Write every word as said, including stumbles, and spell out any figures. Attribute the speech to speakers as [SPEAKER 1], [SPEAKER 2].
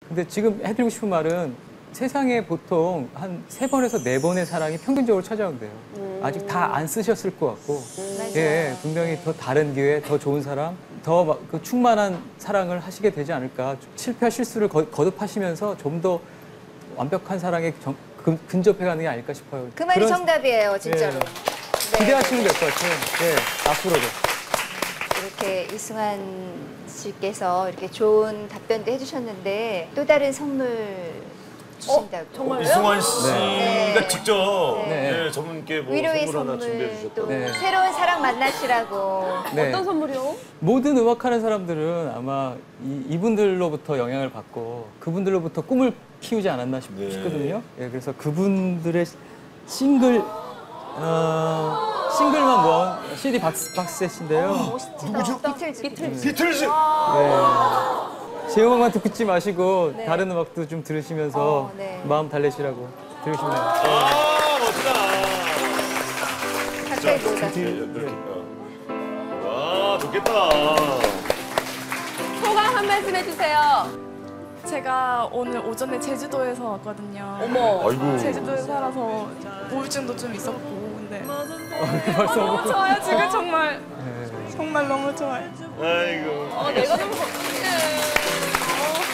[SPEAKER 1] 근데 지금 해드리고 싶은 말은 세상에 보통 한 세 번에서 네 번의 사랑이 평균적으로 찾아온대요. 음. 아직 다 안 쓰셨을 것 같고,
[SPEAKER 2] 음.
[SPEAKER 1] 예, 분명히 더 다른 기회, 더 좋은 사람, 더 그 충만한 사랑을 하시게 되지 않을까. 실패와 실수를 거, 거듭하시면서 좀 더 완벽한 사랑에 정, 근, 근접해가는 게 아닐까 싶어요.
[SPEAKER 2] 그 말이
[SPEAKER 1] 그런,
[SPEAKER 2] 정답이에요, 진짜로.
[SPEAKER 1] 예.
[SPEAKER 2] 네.
[SPEAKER 1] 기대하시면 될 것 같아요. 예, 앞으로도.
[SPEAKER 2] 이렇게 이승환 씨께서 이렇게 좋은 답변도 해주셨는데 또 다른 선물 주신다고.
[SPEAKER 3] 어, 정말요?
[SPEAKER 4] 이승환 씨가
[SPEAKER 2] 네.
[SPEAKER 4] 직접
[SPEAKER 2] 네.
[SPEAKER 4] 네, 저분께 뭐
[SPEAKER 2] 위로의
[SPEAKER 4] 선물 하나 준비해
[SPEAKER 2] 선물,
[SPEAKER 4] 주셨다고.
[SPEAKER 2] 또
[SPEAKER 1] 네.
[SPEAKER 2] 새로운 사랑 만나시라고.
[SPEAKER 1] 네.
[SPEAKER 3] 어떤 선물이요?
[SPEAKER 1] 모든 음악하는 사람들은 아마 이, 이분들로부터 영향을 받고 그분들로부터 꿈을 키우지 않았나 싶,
[SPEAKER 4] 네.
[SPEAKER 1] 싶거든요. 예, 그래서 그분들의 싱글 어, 싱글만 모은 씨디 박스, 박스셋인데요.
[SPEAKER 2] 멋있다. 누구죠? 비틀즈. 비틀즈.
[SPEAKER 4] 비틀즈!
[SPEAKER 1] 네. 제 음악만 듣지 마시고
[SPEAKER 2] 네.
[SPEAKER 1] 다른 음악도 좀 들으시면서
[SPEAKER 2] 어, 네.
[SPEAKER 1] 마음 달래시라고 들으시면 돼요.
[SPEAKER 4] 아, 멋지다.
[SPEAKER 2] 가까이 보다.
[SPEAKER 4] 와, 좋겠다.
[SPEAKER 3] 소감 한 말씀 해주세요.
[SPEAKER 5] 제가 오늘 오전에 제주도에서 왔거든요.
[SPEAKER 3] 어머.
[SPEAKER 4] 아이고.
[SPEAKER 5] 제주도에 살아서 우울증도 좀 있었고, 근데
[SPEAKER 1] 벌써
[SPEAKER 5] 너무 좋아요. 지금 정말 정말 너무 좋아요.
[SPEAKER 4] 아이고.
[SPEAKER 3] 어, 내가 좀 걱정해.